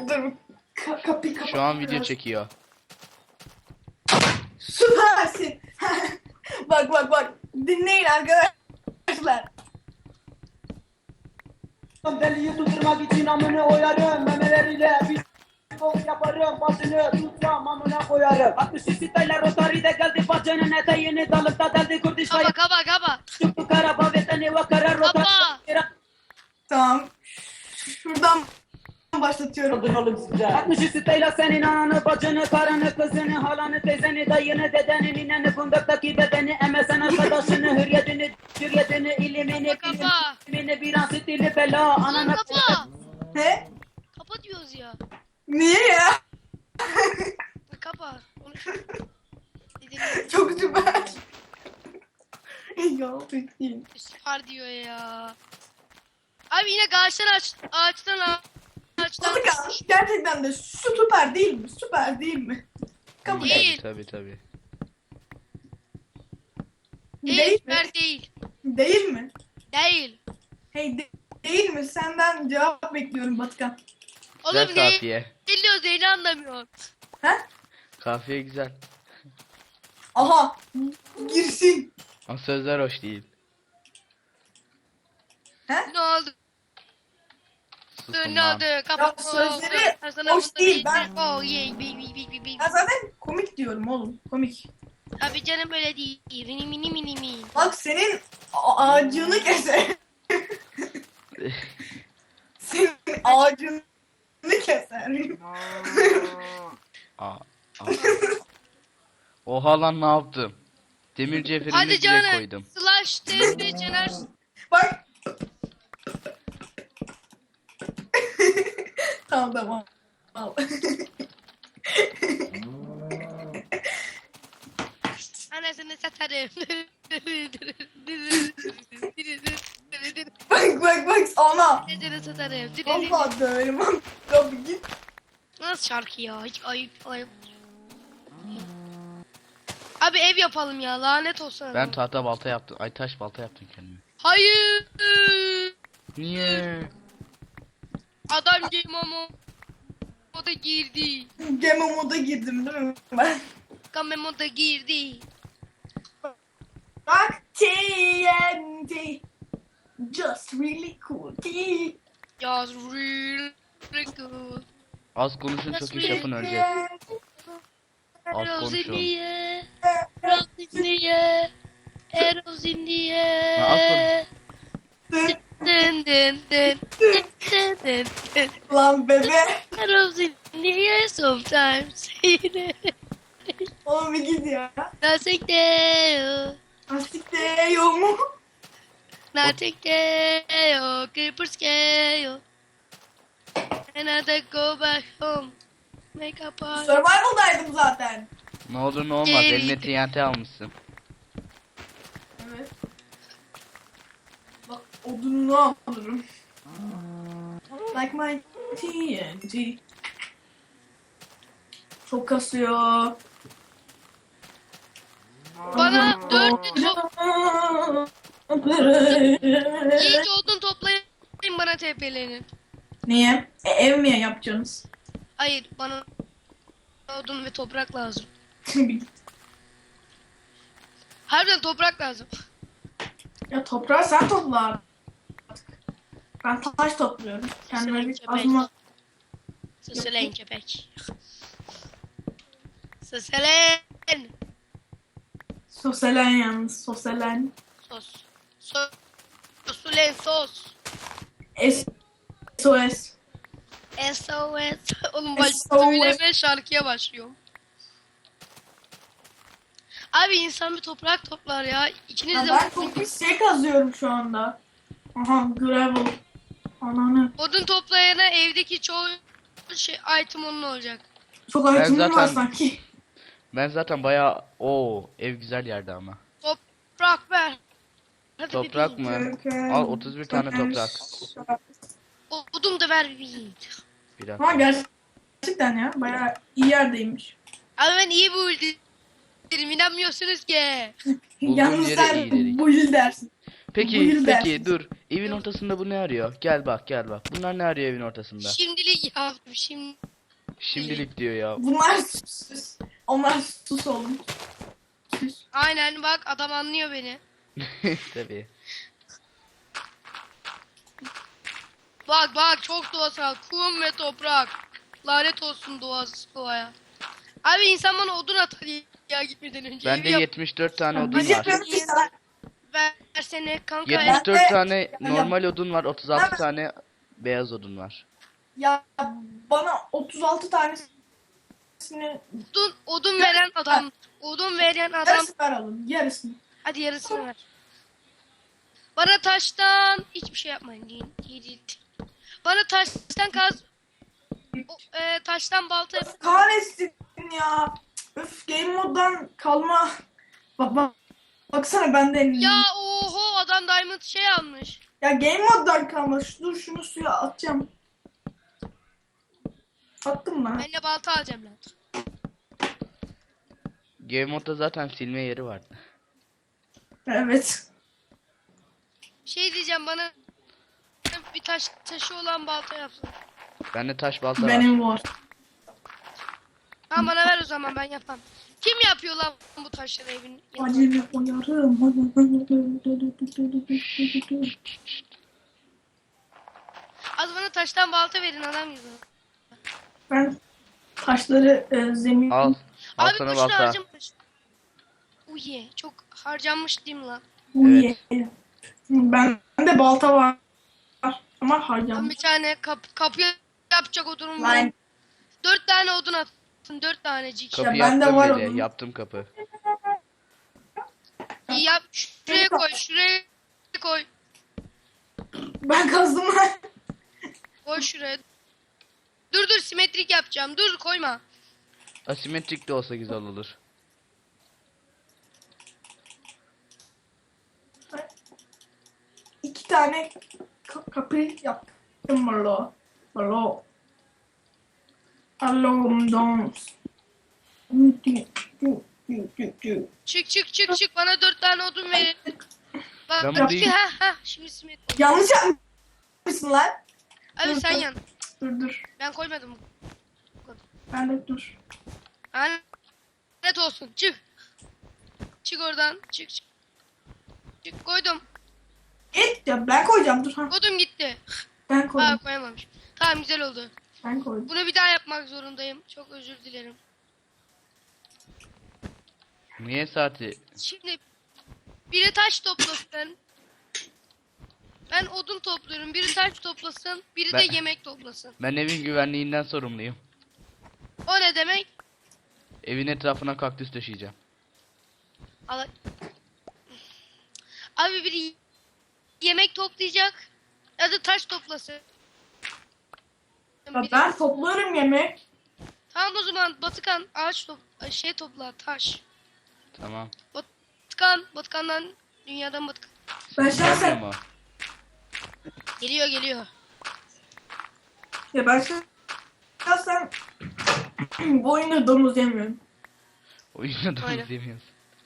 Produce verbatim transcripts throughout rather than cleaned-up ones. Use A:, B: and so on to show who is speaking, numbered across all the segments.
A: Dur. Ka kapıyı kapat.
B: Şu an video çekiyor.
A: Süpersin. Bak bak bak. Dinleyin arkadaşlar.
C: Deliyi tutturmak için amını oyarım. Memeleriyle bir bok yaparım. Başını tutmam amına koyarım. altmış sitayla rotaride geldi bacının eteğini dalıkta deldi kurdiş
D: Kaba kaba kaba.
C: Çıktı karaba veteni ve karar
D: Kaba.
C: rotaride.
A: Tamam. Şuradan başlatıyorum.
C: altmış sitayla senin ananı, bacını, karını, kızını, halanı, teyzeni, dayını, dedeni, nineni, fundaktaki dedeni, emesen arkadaşını, hürriyetini, hürriyetini, ilimini,
D: Kaba.
C: bilimini, bir an stili bela,
D: Oğlum
C: ananı.
D: kapa.
A: He?
D: Kapa diyoruz ya.
A: Niye ya?
D: Kapa. Konuş.
A: Çok süper. Ya peki.
D: Süper diyor ya. Abi yine ağaçtan aç, ağaçtan aç, ağaçtan.
A: Kanka gerçekten de süper değil mi? Süper değil mi? Kabul et.
D: Değil.
B: Tabii tabii.
D: Değil,
A: Değil mi?
D: süper değil.
A: Değil mi?
D: Değil.
A: Hey de- değil mi? Senden cevap bekliyorum Batıkan.
B: Güzel
D: Oğlum ne
B: kafiye.
D: diyor Zeyni anlamıyor.
A: He?
B: Kafiye güzel.
A: Aha. Girsin.
B: Ama sözler hoş değil.
A: He?
D: Ne oldu?
B: Susun
D: Ne
B: lan.
D: oldu? Kapat.
A: sözleri
D: Sana
A: hoş
D: bunu
A: değil, ben-
D: Oh yeah, bi bi bi bi bi.
A: Ben zaten komik diyorum oğlum. Komik.
D: Abi canım öyle değil. Mini mini mini mini.
A: Bak senin a- ağacını keser. Senin ağacını keser.
B: Aa, aa. Oha lan ne yaptım? Demir cevherimi
D: Hadi
B: bile
D: canım.
B: koydum.
D: Slash testi Cener.
A: Bak. Tamam tamam. Al.
D: Anasını satarım.
A: Bak bak bak sana.
D: Anasını satarım.
A: Vallahi döverim. Abi git.
D: Nasıl şarkı ya? Hiç ayıp ayıp. Abi ev yapalım ya. Lanet olsun.
B: Ben tahta balta yaptım. Ay taş balta yaptım kendime.
D: Hayır.
B: Niye?
D: Adam game ama o da girdi.
A: Game moda girdim değil mi ben?
D: Kamemo da girdi.
A: Bak T N T. Just really cool. T.
D: Just real good.
B: Az konuşun çok iş yapın öleceğiz. Az
D: Arrows in
B: konuşun.
D: the air. Arrows in the air. Arrows in the
B: Ha, az
D: air.
A: Dur.
D: Dın dın dın dın dın dın dın.
A: Lan bebe.
D: Arrows in the air sometimes.
A: Oğlum bir git ya.
D: Nothing there.
A: Lastik de yok mu?
D: Nothing there. Creepers scale. And I go back home. Make a party.
A: Survival'daydım zaten.
B: Ne olur ne olmaz
D: Geri.
B: eline T N T almışsın.
A: Evet. Bak odununu alırım. Like my T N T. Çok kasıyor.
D: Bana dört top, iyice odun toplayın bana T P'lerini.
A: Niye? E, ev mi yapacaksınız?
D: Hayır bana odun ve toprak lazım. Harbiden toprak lazım.
A: Ya toprağı sen topla artık. Ben taş topluyorum. Kendime
D: Senin
A: bir
D: köpek.
A: azma...
D: Seselen köpek. Seselen.
A: Soselen yalnız. Soselen.
D: Sos. Sos. Sosulen sos.
A: S O S.
D: S O S. Oğlum
A: S O
D: başta
A: S.
D: bile ben şarkıya başlıyorum. Abi insan bir toprak toplar ya. İkiniz
A: Ya
D: de
A: ben çok pis şey kazıyorum şu anda. Aha gravel. Ananı.
D: odun toplayana evdeki çoğu şey item onun olacak.
A: Çok
B: Ben
A: itemim var
B: zaten-
A: sanki.
B: Ben zaten bayağı o ev güzel yerde ama.
D: Toprak ver. Hadi
B: Toprak
D: bebeğim.
B: mı? Al otuz bir tane toprak.
D: O- Odun da ver bebeğim.
B: Bir
A: Ama
B: dakika.
A: gerçekten ya bayağı iyi yerdeymiş.
D: Abi ben iyi buldum. İnanmıyorsunuz ki.
B: Bulduğum
A: Yalnız
B: yere
A: sen
B: iyi dedik.
A: bu il dersin.
B: Peki
A: Buyur
B: peki
A: dersin.
B: dur. Evin ortasında bu ne arıyor? Gel bak gel bak. Bunlar ne arıyor evin ortasında?
D: Şimdilik yaptım şimdi.
B: Şimdilik diyor ya.
A: Bunlar sus. Onlar sus oğlum. Sus.
D: Aynen bak adam anlıyor beni.
B: Tabii.
D: Bak bak çok doğasal. Kum ve toprak. Lanet olsun doğası doğaya. Abi insan bana odun atar ya gitmeden önce.
B: Bende
D: Evi yap-
B: yetmiş dört tane odun
A: Biz
B: var.
A: yapıyoruz ki sana.
D: Versene kanka.
B: yetmiş dört
A: Ben de-
B: tane normal odun var. otuz altı tane beyaz odun var.
A: Ya bana otuz altı tanesini
D: Odun, odun veren adam. Odun veren adam.
A: yarısını ver oğlum. Yarısını.
D: Hadi yarısını ver. Bana taştan hiçbir şey yapmayın. Değil, değil, değil. Bana taştan kaz. O, e, taştan balta yap.
A: Kahretsin ya. Öf, game moddan kalma. Bak bak. Baksana bende.
D: Ya oho adam diamond şey almış.
A: Ya game moddan kalma. Şu- Dur şunu suya atacağım. Attım lan.
D: Ben de balta alacağım lan.
B: Game modda zaten silme yeri vardı.
A: Evet.
D: Şey diyeceğim bana bir taş taşı olan balta yapsın.
B: Bende taş balta var.
A: Benim var.
D: Ha bana ver o zaman ben yapam. Kim yapıyor lan bu taşları evin?
A: Acele uyarım.
D: Az bana taştan balta verin adam gibi.
A: Ben taşları e, zemin...
B: Al. Al
D: Abi
B: sana
D: boşuna
B: balta.
D: harcamış. Uye çok harcanmış değil mi lan?
A: Uye. Ben de balta var. Ama
D: Ben
A: harcam.
D: bir tane kap kapı yapacak odunum
A: Lan.
D: var. Dört tane odun attım. Dört tanecik.
B: Kapı
A: Ya bende
B: yaptım
A: var
B: bile.
A: odun.
B: Yaptım kapı.
D: İyi yap. Şuraya koy. Şuraya koy.
A: Ben kazdım lan.
D: Koy şuraya. Dur dur simetrik yapacağım. Dur koyma.
B: Asimetrik de olsa güzel olur.
A: İki tane ka- kapı yaptım malo. Malo. Alom dons.
D: Çık çık çık çık. Bana dört tane odun verin. Bak
B: Ben
D: ben
B: burayı-
D: ha ha şimdi simetrik.
A: Yanlış yapmışsın lan.
D: Abi sen yan.
A: Dur dur.
D: Ben koymadım.
A: Ben de dur.
D: Lanet olsun. Çık. Çık oradan. Çık çık. Çık koydum.
A: Et ya ben koyacağım dur ha.
D: Kodum gitti.
A: Ben
D: Ha
A: koydum.
D: koyamamış. Tamam güzel oldu.
A: Ben koydum.
D: Bunu bir daha yapmak zorundayım. Çok özür dilerim.
B: Niye saati?
D: Şimdi biri taş toplasın. Ben odun topluyorum. Biri taş toplasın. Biri
B: Ben-
D: de yemek toplasın.
B: Ben evin güvenliğinden sorumluyum.
D: O ne demek?
B: Evin etrafına kaktüs döşeyeceğim.
D: Al- Abi biri yemek toplayacak. Ya da taş toplasın.
A: Ya
D: Biri-
A: ben topluyorum yemek.
D: Tamam o zaman Batıkan ağaç top şey topla taş.
B: Tamam.
D: Batıkan Batıkan'dan dünyadan Batıkan.
A: Ben
B: Gelmiyor
A: şahsen
B: mu?
D: Geliyor geliyor.
A: ya ben şahsen bu oyunda domuz yemiyorum.
B: Oyunda da
D: Aynen.
B: izlemiyoruz.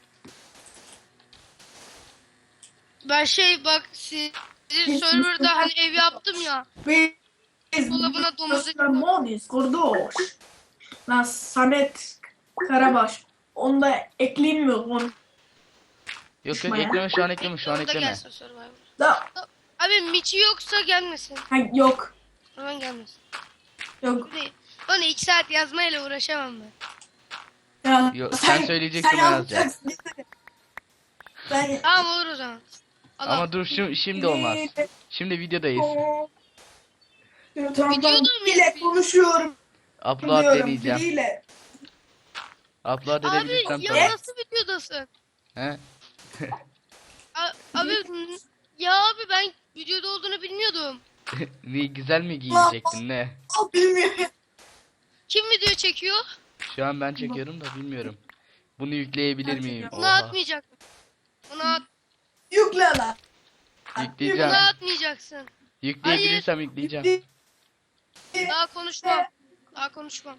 D: Ben şey bak sizin serverda hani ev yaptım ya.
A: Biz
D: Dolabına domuz eti-
A: Monis, Gordoş. Lan Samet Karabaş. Onu da ekleyeyim mi onu?
B: Yok yok
A: Düşman ya.
B: ekleme şu an ekleme şu an
D: Orada
B: ekleme.
D: gelsin Survivor.
A: Da,
D: Abi Miçi yoksa gelmesin.
A: ha, yok.
D: Hemen gelmesin.
A: Yok.
D: Abi, Bana iki saat yazmayla uğraşamam ben.
A: Ya,
B: Yok, sen söyleyeceksin,
A: sen
B: ben yazacağım.
A: yapacaksın. Sen
D: Tamam olur o zaman. Allah.
B: Ama dur şimdi, şimdi olmaz. Şimdi videodayız.
A: Tamam,
D: Videoda
A: bile
D: mıyız?
A: konuşuyorum.
B: Upload
A: diyorum,
B: deneyeceğim.
A: biriyle.
B: Upload
D: Abi
B: edebilirsem
D: ya
B: tamam.
D: nasıl videodasın?
B: He?
D: A- abi ya abi ben videoda olduğunu bilmiyordum.
B: Niye güzel mi giyecektin ne?
A: Al bilmiyorum.
D: Kim video çekiyor?
B: Şu an ben çekiyorum da bilmiyorum. Bunu yükleyebilir
A: Ben
B: miyim?
A: çekiyorum.
D: Bunu
B: Oha.
D: atmayacak. Bunu at.
A: Yükle lan.
B: Yükleyeceğim.
D: Bunu atmayacaksın.
B: Yükleyebilirsem yükleyeceğim.
D: Daha konuşmam. Daha konuşmam.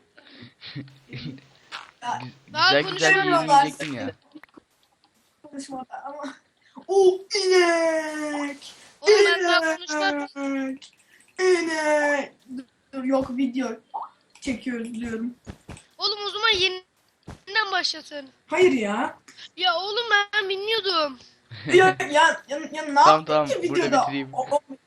B: Güzel
D: Daha
B: güzel
D: konuşamıyorlar.
B: giyinecektin ya.
A: Konuşmada ama O inek.
D: Oğlum ben daha konuşmadım.
A: İnek. İnek. Dur yok video çekiyoruz diyorum.
D: Oğlum o zaman yeniden başlatın.
A: Hayır ya.
D: Ya oğlum ben bilmiyordum.
A: Ya ya ya, ya ne
B: Tamam,
A: yaptın
B: tamam,
A: ki
B: burada
A: videoda?
B: bitireyim.
A: O, o,